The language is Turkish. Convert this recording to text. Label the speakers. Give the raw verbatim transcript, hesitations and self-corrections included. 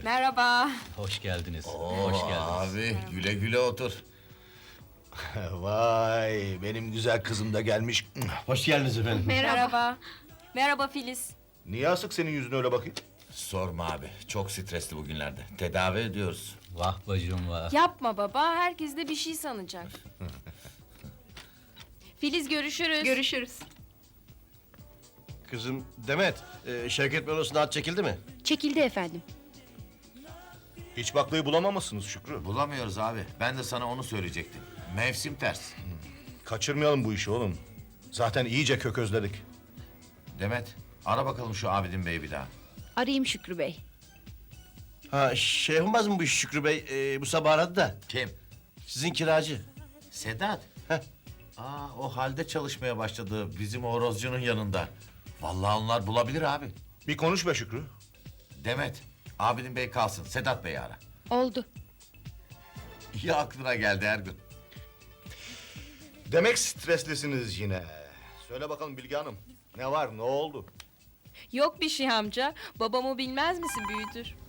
Speaker 1: Merhaba.
Speaker 2: Hoş geldiniz.
Speaker 3: Oo,
Speaker 2: Hoş geldiniz.
Speaker 3: abi güle güle otur.
Speaker 4: Vay, benim güzel kızım da gelmiş.
Speaker 5: Hoş geldiniz efendim.
Speaker 1: Merhaba. Merhaba Filiz.
Speaker 4: Niye asık senin yüzüne öyle bakayım?
Speaker 3: Sorma abi, çok stresli bugünlerde. Tedavi ediyoruz.
Speaker 2: Vah bacım vah.
Speaker 1: Yapma baba, herkes de bir şey sanacak. Filiz görüşürüz.
Speaker 6: Görüşürüz.
Speaker 5: Kızım Demet, e, Şevket Bey at çekildi mi?
Speaker 6: Çekildi efendim.
Speaker 4: Hiç baklayı bulamamışsınız Şükrü.
Speaker 3: Bulamıyoruz abi. Ben de sana onu söyleyecektim. Mevsim ters.
Speaker 4: Kaçırmayalım bu işi oğlum. Zaten iyice kök özledik.
Speaker 3: Demet, ara bakalım şu Abidin Bey'i bir daha.
Speaker 6: Arayayım Şükrü Bey.
Speaker 5: Ha şey yapmaz mı bu iş Şükrü Bey? E, bu sabah aradı da.
Speaker 3: Kim?
Speaker 5: Sizin kiracı.
Speaker 3: Sedat.
Speaker 5: Heh.
Speaker 3: Aa, o halde çalışmaya başladı bizim horozcunun yanında. Vallahi onlar bulabilir abi.
Speaker 4: Bir konuş be Şükrü.
Speaker 3: Demet, Abidin Bey kalsın. Sedat Bey'i ara.
Speaker 6: Oldu.
Speaker 3: İyi aklına geldi Ergun.
Speaker 4: Demek streslisiniz yine. Söyle bakalım Bilge Hanım. Ne var, ne oldu?
Speaker 1: Yok bir şey amca. Babamı bilmez misin büyüdür?